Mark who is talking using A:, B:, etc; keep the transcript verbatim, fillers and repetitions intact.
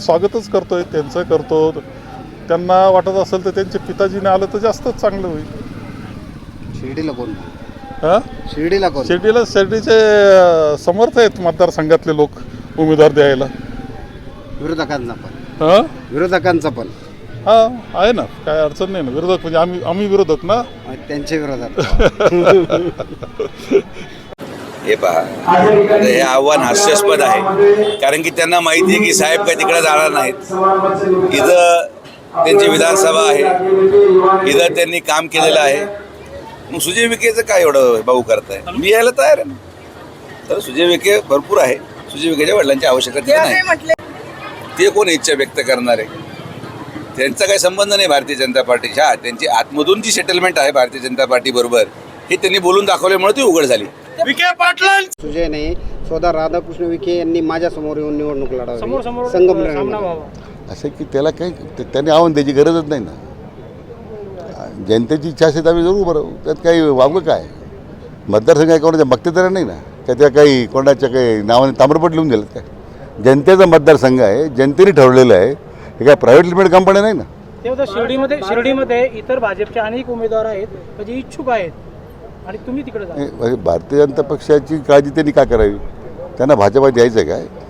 A: स्वागतच करतोय, त्यांचं करतो. त्यांना वाटत असेल तर त्यांच्या पिताजीने आलं तर जास्तच चांगलं होईल.
B: शिर्डीला कोण?
A: हां
B: शिर्डीला कोण?
A: शिर्डीला शिर्डीचे समर्थ आहेत मतदारसंघातले लोक उमेदवार द्यायला.
B: विरोधकांचा पण
A: हां
B: विरोधकांचा पण
A: हां आहे ना, काय अडचण नाही ना. विरोधक म्हणजे आम्ही आम्ही विरोधक ना.
B: त्यांच्या विरोधात
C: हे पहा, आता हे आव्हान हास्यास्पद आहे, कारण की त्यांना माहिती आहे की साहेब काही तिकडे जाणार नाहीत. इथं त्यांची विधानसभा आहे, इथं त्यांनी काम केलेलं आहे. मग सुजय विखेचं काय एवढं भाऊ करताय? मी यायला तयार आहे ना. तर सुजय विखे भरपूर आहे. सुजय विखेच्या वडिलांची आवश्यकता नाही. ते कोण इच्छा व्यक्त करणार आहे? त्यांचा काही संबंध नाही भारतीय जनता पार्टीशी. हा, त्यांची आतमधून जी सेटलमेंट आहे भारतीय जनता पार्टी बरोबर, हे त्यांनी बोलून दाखवल्यामुळे ती उघड झाली.
B: सुजय नाही, स्वतः राधाकृष्ण विखे यांनी माझ्या समोर येऊन निवडणूक लढवली. संगमनेर
D: असं की त्याला काही त्यांनी आव्हान द्यायची गरजच नाही ना. जनतेची इच्छा असेल तर आम्ही जरूर उभं राहू. त्यात काही वावगं काय? मतदारसंघ काय कोणाच्या बघतेदार नाही ना, त्या त्या काही कोणाच्या काही नावाने ताम्रपट लिहून दिलं काय? जनतेचा मतदारसंघ आहे, जनतेने ठरवलेलं आहे. हे काय प्रायव्हेट लिमिटेड कंपन्या नाही ना.
E: तेव्हा शिर्डीमध्ये शिर्डीमध्ये इतर भाजपचे अनेक उमेदवार आहेत जे इच्छुक आहेत आणि तुम्ही तिकडे जा.
D: भारतीय जनता पक्षाची काळजी त्यांनी का करावी? त्यांना भाजपात यायचं काय?